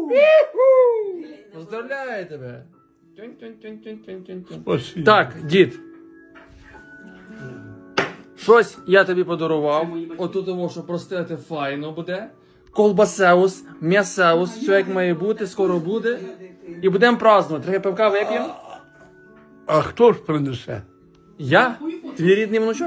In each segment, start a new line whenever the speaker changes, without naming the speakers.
Поздравляю тебе.
Спасибо.
Так, дід. Щось я тобі подарував. Отут того, що простити файно буде. Колбасеус, м'ясеус, все як має бути, скоро буде. І будемо празднувати. Трохи пивка вип'ємо.
А хто ж принесе?
Я? Твій рідний внучок?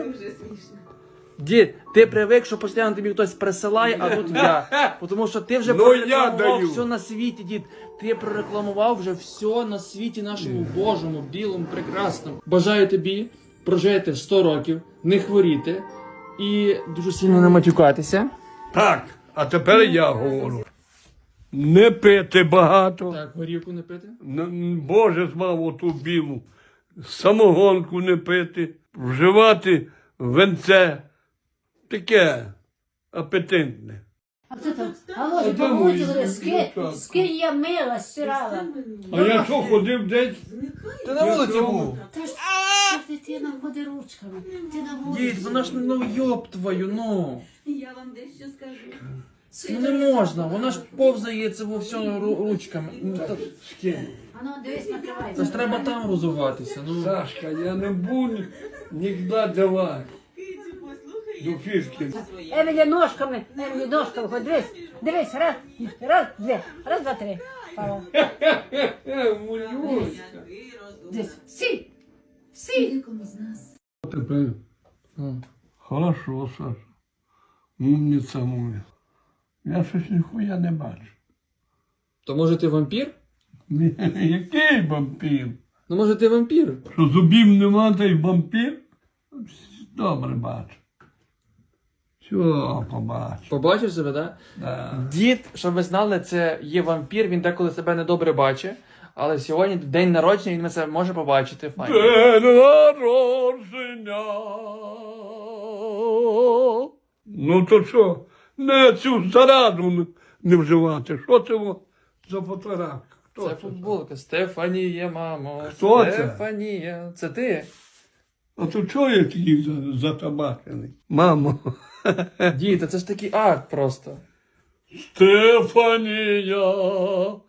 Дід, ти привик, що постійно тобі хтось присилає, а тут я. Тому що ти вже
Ну, я
прорекламував
даю.
все на світі, дід. Ти прорекламував вже все на світі нашому Божому, білому, прекрасному. Бажаю тобі прожити 100 років, не хворіти і дуже сильно не матюкатися.
Так, а тепер я говорю. Не пити багато.
Так, горівку не пити.
Боже змав оту білу. Самогонку не пити. Вживати венце. Таке апетитне.
А хто там? А може,
де мої
помучили,
дівчатка?
скинь я мила, стирала.
А я що ходив десь?
Ти на вулиці був.
Та ж дитина ходить ручками. Ти на вулиці.
Дід, вона ж, ну йоб твою, ну.
Я вам дещо скажу.
Ну не можна, вона ж повзається во всьому ручками. Ну, та-
А ну, дивись, накривай.
Це ж треба там розуватися, ну.
Сашка, я не буду нікуди давати.
Кицю, послухай,
До фішки.
Емілі ножками, ходь, дивись, раз, два, три. Пала.
Мулюсь.
Дивись, сі.
Тепер хорошо, Саша. Умниця моя. Я щось ніхуя не бачу.
То може ти вампір?
Ні, який вампір?
Ну може ти вампір?
Що зубів нема, та й вампір? Добре бачу. Все, побачу.
Побачив себе, так?
Да.
Дід, щоб ви знали, це є вампір, він деколи себе недобре бачить. Але сьогодні день народження, він це може побачити. Файно.
День народження. Ну то що? Не цю зараду не вживати. Що це за фотографія? Хто
Це футболка. Стефанія, мамо.
Хто це?
Стефанія. Це ти?
А то чого я такий затабачений? Мамо.
Дід, та це ж такий акт просто.
Стефанія,